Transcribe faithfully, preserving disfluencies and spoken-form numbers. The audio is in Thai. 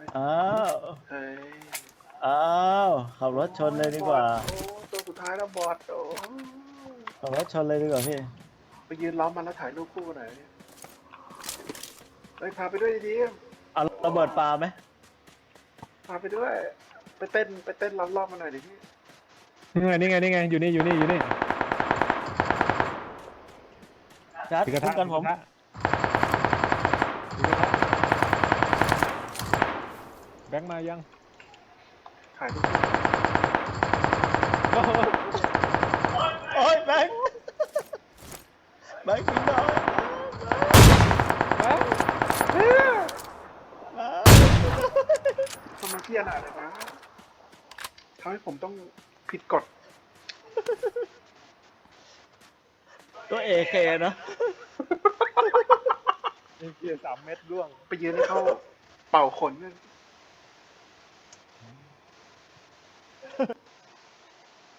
อ้าวเฮ้ยอ้าวขับรถชนเลยดีกว่าโอ้ตัวสุดท้ายแล้วบอดโอ้ขับรถชนเลยดีกว่าพี่ไปยืนล้อมมันแล้วถ่ายรูปคู่หน่อยเฮ้ยพาไปด้วยดีเอาระเบิดปลาไหมพาไปด้วย ไปเต้นไปเต้นรอบๆมาหน่อยดิพี่นี่ไงนี่ไงนี่ไงอยู่นี่อยู่นี่อยู่นี่จัดถือกระคุ้ทะมกันผมถือกระทะถือกระทะแบงค์มายังถ่ายรูปโอ้ยแบงค์แบงค์กินน้อยแบงค์ทำไมพี่อนาถเลยนะทำให้ผมต้องผิดกฎตัวเอเคเนาะนี่เกียร์สามเม็ดร่วงไปยืนให้เขาเป่าขนกัน